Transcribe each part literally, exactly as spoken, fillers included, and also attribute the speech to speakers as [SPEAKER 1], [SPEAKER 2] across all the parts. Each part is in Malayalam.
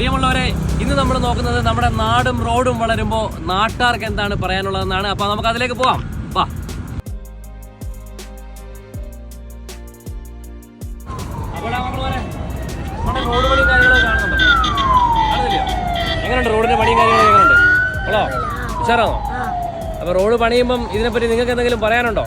[SPEAKER 1] പ്രിയമുള്ളവരെ, ഇന്ന് നമ്മൾ നോക്കുന്നത് നമ്മുടെ നാടും റോഡും വളരുമ്പോൾ നാട്ടുകാർക്ക് എന്താണ് പറയാനുള്ളതെന്നാണ്. അപ്പൊ നമുക്ക് അതിലേക്ക് പോവാം. വാ. നമ്മുടെ റോഡ് പണിയും കാര്യങ്ങളൊക്കെ കാണുന്നുണ്ടോ? കാണുന്നില്ലയോ? എങ്ങനെയുണ്ട് റോഡിന്റെ പണിയും കാര്യങ്ങളൊക്കെ എങ്ങനെയുണ്ട്? ഹലോ, ഉഷാറാണോ? അപ്പൊ റോഡ് പണിയുമ്പം ഇതിനെപ്പറ്റി നിങ്ങൾക്ക് എന്തെങ്കിലും പറയാനുണ്ടോ?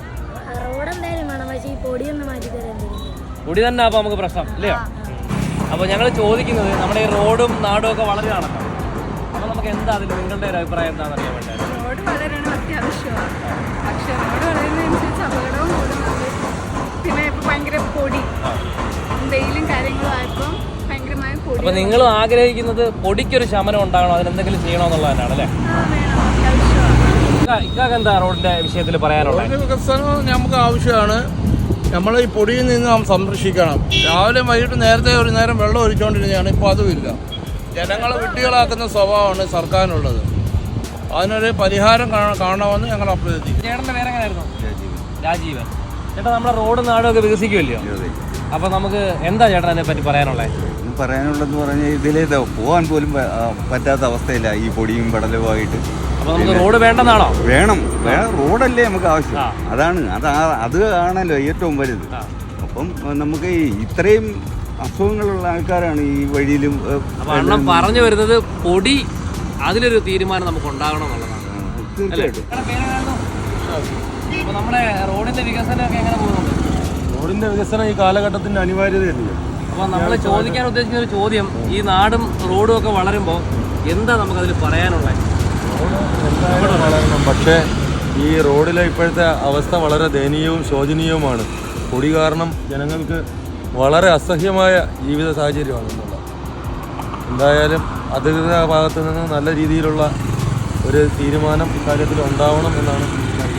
[SPEAKER 1] പൊടി തന്നെ അപ്പൊ നമുക്ക് പ്രശ്നം ഇല്ലയോ? അപ്പോൾ ഞങ്ങൾ ചോദിക്കുന്നത് നമ്മുടെ ഈ റോഡും നാടും ഒക്കെ വളരെ നടക്കാം. അപ്പോൾ നമുക്ക് എന്താ അതിൽ നിങ്ങളുടെ ഒരു അഭിപ്രായം എന്താണെന്ന് അറിയാൻ വേണ്ടി.
[SPEAKER 2] റോഡ് വളരണം അത്യാവശ്യമാണ്, പക്ഷേ റോഡ് വളരുന്നതനുസരിച്ച് അപകടവും കൂടുന്നുണ്ട്. പിന്നെ ഇപ്പോൾ ഭയങ്കര പൊടി, വെയിലും കാര്യങ്ങളും ആയപ്പോൾ ഭയങ്കരമായ പൊടി. അപ്പോൾ നിങ്ങൾ ആഗ്രഹിക്കുന്നത് പൊടിക്കൊരു ശമനം ഉണ്ടാകണം, അതിനെന്തെങ്കിലും ചെയ്യണമെന്നുള്ളത് തന്നെയാണ് അല്ലേ? ഇക്കാക്ക് എന്താ റോഡിന്റെ വിഷയത്തിൽ പറയാനുള്ളത്?
[SPEAKER 3] വികസനം നമുക്ക് ആവശ്യമാണ്. നമ്മൾ ഈ പൊടിയിൽ നിന്ന് നാം സംരക്ഷിക്കണം. രാവിലെ വൈകിട്ട് നേരത്തെ ഒരു നേരം വെള്ളം ഒഴിച്ചുകൊണ്ടിരുന്നതാണ്, ഇപ്പോൾ അതുമില്ല. ജനങ്ങളെ വിഡ്ഢികളാക്കുന്ന സ്വഭാവമാണ് സർക്കാരിനുള്ളത്. അതിനൊരു പരിഹാരം കാണണമെന്ന് ഞങ്ങൾ അഭ്യർത്ഥിക്കും.
[SPEAKER 1] ചേട്ടൻ്റെ പേരെങ്ങനായിരുന്നു? രാജീവൻ. ചേട്ടാ, നമ്മുടെ റോഡും നാടും ഒക്കെ വികസിക്കുമല്ലോ, അപ്പോൾ നമുക്ക് എന്താ ചേട്ടൻ അതിനെ പറ്റി പറയാനുള്ളത്?
[SPEAKER 4] പറയാനുള്ളതെന്ന് പറഞ്ഞാൽ ഇതിലേ പോകാൻ പോലും പറ്റാത്ത അവസ്ഥയില്ല ഈ പൊടിയും പടലുമായിട്ട്.
[SPEAKER 1] അപ്പോൾ നമുക്ക് റോഡ് വേണ്ടെന്നാണോ?
[SPEAKER 4] വേണം, റോഡല്ലേ നമുക്ക് ആവശ്യം. അതാണ് അത് അത് ആണല്ലോ ഏറ്റവും വലുത്. അപ്പം നമുക്ക് ഇത്രയും അസുഖങ്ങളുള്ള ആൾക്കാരാണ് ഈ വഴിയിലും.
[SPEAKER 1] അണ്ണം പറഞ്ഞു വരുന്നത് പൊടി, അതിലൊരു തീരുമാനം നമുക്ക് ഉണ്ടാകണം എന്നുള്ളതാണ്.
[SPEAKER 4] തീർച്ചയായിട്ടും.
[SPEAKER 1] അപ്പോൾ നമ്മുടെ റോഡിന്റെ വികസനമൊക്കെ എങ്ങനെ പോകുന്നുണ്ട്?
[SPEAKER 3] റോഡിന്റെ വികസനം ഈ കാലഘട്ടത്തിന്റെ അനിവാര്യതയല്ലേ.
[SPEAKER 1] അപ്പോൾ നമ്മൾ ചോദിക്കാൻ ഉദ്ദേശിക്കുന്ന ഒരു ചോദ്യം, ഈ നാടും റോഡും ഒക്കെ വളരുമ്പോൾ എന്താ നമുക്കതിൽ പറയാനുള്ളത്?
[SPEAKER 3] എന്തായാലും വളരണം, പക്ഷേ ഈ റോഡിലെ ഇപ്പോഴത്തെ അവസ്ഥ വളരെ ദയനീയവും ശോചനീയവുമാണ്. പൊടി കാരണം ജനങ്ങൾക്ക് വളരെ അസഹ്യമായ ജീവിത സാഹചര്യമാണ് എന്നുള്ളത്. എന്തായാലും അധികൃത ഭാഗത്തു നിന്ന് നല്ല രീതിയിലുള്ള ഒരു തീരുമാനം ഇക്കാര്യത്തിൽ ഉണ്ടാവണം എന്നാണ് എനിക്ക്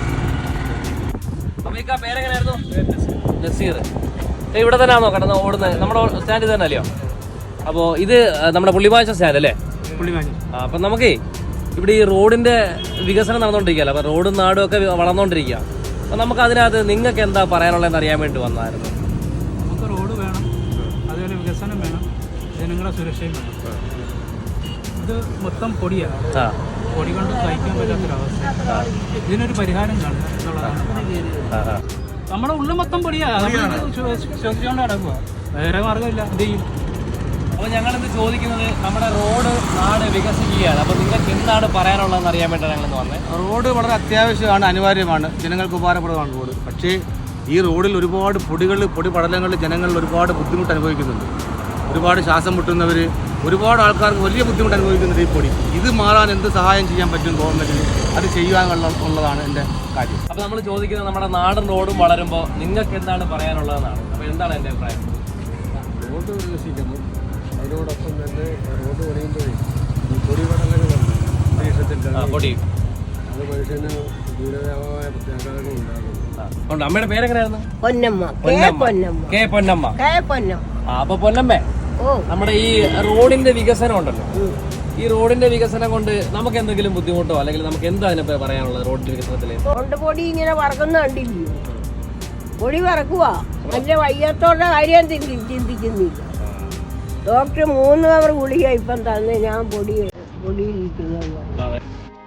[SPEAKER 3] പറയാനുള്ളത്.
[SPEAKER 1] നസീർ ഇവിടെ തന്നെ ആണോ കിടന്ന് ഓടുന്നത്? നമ്മുടെ സ്റ്റാൻഡിൽ തന്നെ അല്ലയോ? അപ്പോൾ ഇത് നമ്മുടെ പുള്ളിമാച്ച സ്റ്റാൻഡ് അല്ലേ? പുള്ളിമാച്ച. ആ, അപ്പം നമുക്കേ ഇവിടെ ഈ റോഡിന്റെ വികസനം നടന്നുകൊണ്ടിരിക്കുകയല്ലോ, അപ്പോൾ റോഡും നാടും ഒക്കെ വളർന്നുകൊണ്ടിരിക്കുക. അപ്പോൾ നമുക്ക് അതിനകത്ത് നിങ്ങൾക്ക് എന്താ പറയാനുള്ളതെന്ന് അറിയാൻ വേണ്ടി വന്നായിരുന്നു.
[SPEAKER 5] നമുക്ക് റോഡ് വേണം, അതുപോലെ വികസനം വേണം, ജനങ്ങളുടെ സുരക്ഷയും വേണം. ഇത് മൊത്തം പൊടിയാണ്, പൊടി കൊണ്ട് സഹിക്കാൻ പറ്റാത്തൊരവസ്ഥ. ഇതിനൊരു പരിഹാരം കാണുക എന്നുള്ളതാണ്. നമ്മുടെ ഉള്ളിൽ മൊത്തം പൊടിയാണ്, ശ്വസിച്ചുകൊണ്ട് കിടക്കുക, വേറെ മാർഗമില്ല. എന്ത് ചെയ്യും?
[SPEAKER 1] അപ്പോൾ ഞങ്ങളിത് ചോദിക്കുന്നത് നമ്മുടെ റോഡ് നാട് വികസിക്കുകയാണ്, അപ്പോൾ നിങ്ങൾക്ക് എന്താണ് പറയാനുള്ളതെന്ന് അറിയാൻ വേണ്ടിയാണ് ഞങ്ങൾ വന്നത്.
[SPEAKER 6] റോഡ് വളരെ അത്യാവശ്യമാണ്, അനിവാര്യമാണ്, ജനങ്ങൾക്ക് ഉപകാരപ്രദമാണ് റോഡ്. പക്ഷേ ഈ റോഡിൽ ഒരുപാട് പൊടികൾ പൊടി പടലങ്ങളിൽ ജനങ്ങളിൽ ഒരുപാട് ബുദ്ധിമുട്ട് അനുഭവിക്കുന്നുണ്ട്. ഒരുപാട് ശ്വാസം മുട്ടുന്നവർ, ഒരുപാട് ആൾക്കാർക്ക് വലിയ ബുദ്ധിമുട്ട് അനുഭവിക്കുന്നുണ്ട് ഈ പൊടി. ഇത് മാറാൻ എന്ത് സഹായം ചെയ്യാൻ പറ്റും ഗവൺമെൻറ്റിന്, അത് ചെയ്യാനുള്ള ഉള്ളതാണ് എൻ്റെ കാര്യം.
[SPEAKER 1] അപ്പോൾ നമ്മൾ ചോദിക്കുന്നത് നമ്മുടെ നാടും റോഡും വളരുമ്പോൾ നിങ്ങൾക്ക് എന്താണ് പറയാനുള്ളതെന്നാണ്. അപ്പോൾ എന്താണ് എൻ്റെ അഭിപ്രായം?
[SPEAKER 3] റോഡ് വികസിക്കുന്നു, അതിനോടൊപ്പം തന്നെ റോഡ് പണിയുമ്പോഴേ ഈ പൊടി പടലങ്ങളുണ്ട് അന്തരീക്ഷത്തിൽ,
[SPEAKER 1] പൊടി
[SPEAKER 3] അത് മനുഷ്യന് ദൂരവ്യാപകമായ പ്രത്യാഘാതങ്ങൾ ഉണ്ടാകുന്നു.
[SPEAKER 1] അമ്മയുടെ പേരെങ്ങനെയായിരുന്നു?
[SPEAKER 7] പൊന്നമ്മ.
[SPEAKER 1] കെ പൊന്നമ്മ. ആ, അപ്പൊ പൊന്നമ്മ, നമ്മുടെ ഈ റോഡിന്റെ വികസനം ഉണ്ടല്ലോ, ഈ റോഡിന്റെ വികസനം കൊണ്ട് നമുക്ക് എന്തെങ്കിലും ബുദ്ധിമുട്ടോ അല്ലെങ്കിൽ നമുക്ക് എന്താ അതിനെ പറയാനുള്ളത്? റോഡിന്റെ വികസനത്തില്
[SPEAKER 7] റോഡ് പൊടി ഇങ്ങനെ പറക്കുന്ന കണ്ടില്ലേ? പൊടി പറക്കുക, നല്ല വയ്യാത്തോടെ കാര്യം ചിന്തിക്കുന്നില്ല. ഡോക്ടർ മൂന്ന് അവർ ഗുളിക ഇപ്പം തന്നെ ഞാൻ പൊടി പൊടിയിരിക്കുന്നത്.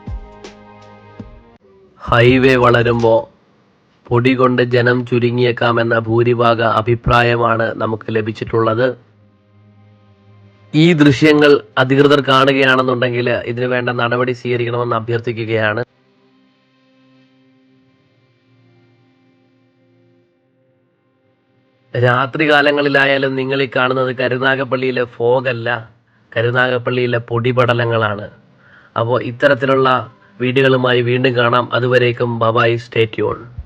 [SPEAKER 8] ഹൈവേ വളരുമ്പോൾ പൊടി കൊണ്ട് ജനം ചുരുങ്ങിയേക്കാമെന്ന ഭൂരിഭാഗ അഭിപ്രായമാണ് നമുക്ക് ലഭിച്ചിട്ടുള്ളത്. ഈ ദൃശ്യങ്ങൾ അധികൃതർ കാണുകയാണെന്നുണ്ടെങ്കിൽ ഇതിനു വേണ്ട നടപടി സ്വീകരിക്കണമെന്ന് അഭ്യർത്ഥിക്കുകയാണ്. രാത്രി കാലങ്ങളിലായാലും നിങ്ങൾ ഈ കാണുന്നത് കരുനാഗപ്പള്ളിയിലെ ഫോഗല്ല, കരുനാഗപ്പള്ളിയിലെ പൊടിപടലങ്ങളാണ്. അപ്പോൾ ഇത്തരത്തിലുള്ള വീഡിയോകളുമായി വീണ്ടും കാണാം. അതുവരേക്കും ബൈ, സ്റ്റേ ട്യൂൺ.